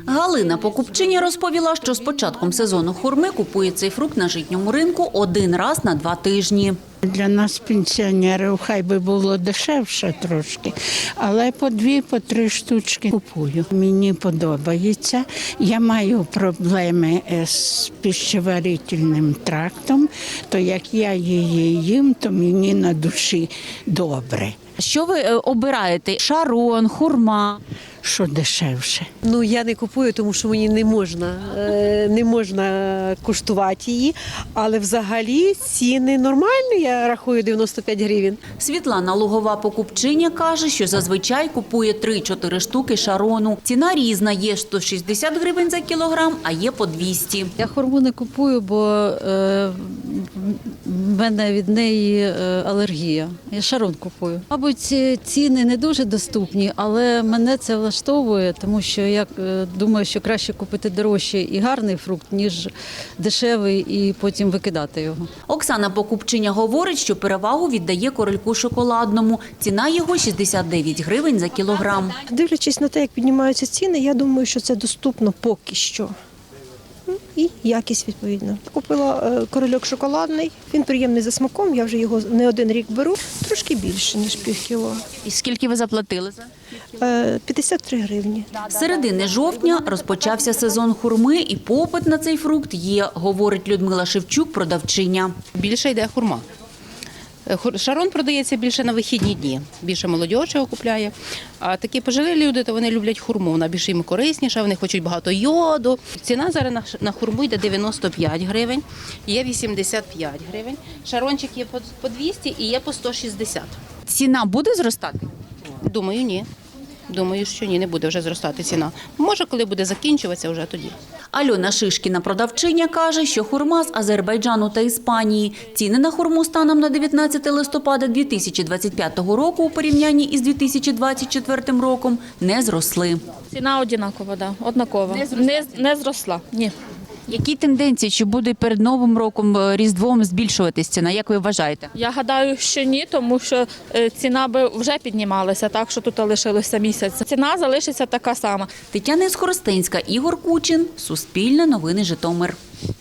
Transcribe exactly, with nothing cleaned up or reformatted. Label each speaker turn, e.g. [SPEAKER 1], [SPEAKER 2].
[SPEAKER 1] Галина покупчиня розповіла, що з початком сезону хурми купує цей фрукт на житньому ринку один раз на два тижні.
[SPEAKER 2] Для нас, пенсіонерів, хай би було дешевше трошки, але по дві, по три штучки купую. Мені подобається. Я маю проблеми з пищеварительним трактом, то як я її їм, то мені на душі добре.
[SPEAKER 1] Що ви обираєте? Шарон, хурма?
[SPEAKER 2] Що дешевше.
[SPEAKER 3] Ну, я не купую, тому що мені не можна, не можна куштувати її, але взагалі ціни нормальні, я рахую дев'яносто п'ять гривень.
[SPEAKER 1] Світлана Лугова покупчиня каже, що зазвичай купує три-чотири штуки шарону. Ціна різна, є сто шістдесят гривень за кілограм, а є по двісті.
[SPEAKER 4] Я хурму не купую, бо е, в мене від неї е, алергія. Я шарон купую. Мабуть, ціни не дуже доступні, але мене це влаштовує, тому що я е, думаю, що краще купити дорожчий і гарний фрукт, ніж дешевий і потім викидати його.
[SPEAKER 1] Оксана покупчиня говорить, що перевагу віддає корольку шоколадному. Ціна його шістдесят дев'ять гривень за кілограм.
[SPEAKER 5] Дивлячись на те, як піднімаються ціни, я думаю, що це доступно поки що. Ну, і якість відповідно. Купила е, корольок шоколадний, він приємний за смаком, я вже його не один рік беру, трошки більше, ніж пів кіло.
[SPEAKER 1] І скільки ви заплатили за?
[SPEAKER 5] Е, п'ятдесят три гривні.
[SPEAKER 1] З середини жовтня розпочався сезон хурми і попит на цей фрукт є, говорить Людмила Шевчук, продавчиня.
[SPEAKER 6] Більше йде хурма. Шарон продається більше на вихідні дні, більше молодь його купляє. А такі пожилі люди, то вони люблять хурму, вона більш їм корисніша, вони хочуть багато йоду. Ціна зараз на хурму йде дев'яносто п'ять гривень, є вісімдесят п'ять гривень. Шарончик є по двісті і є по сто шістдесят.
[SPEAKER 1] Ціна буде зростати?
[SPEAKER 6] Думаю, ні. Думаю, що ні, не буде вже зростати ціна. Може, коли буде закінчуватися, вже тоді.
[SPEAKER 1] Альона Шишкіна, продавчиня, каже, що хурма з Азербайджану та Іспанії. Ціни на хурму станом на дев'ятнадцяте листопада дві тисячі двадцять п'ятого року у порівнянні із дві тисячі двадцять четвертим роком не зросли.
[SPEAKER 7] Ціна однакова, да, однакова. Не, не зросла, ні.
[SPEAKER 1] Які тенденції, чи буде перед Новим роком, Різдвом збільшуватись ціна, як ви вважаєте?
[SPEAKER 7] Я гадаю, що ні, тому що е, ціна би вже піднімалася, так що тут лишилося місяць. Ціна залишиться така сама.
[SPEAKER 1] Тетяна Скоростенська, Ігор Кучин, Суспільне новини, Житомир.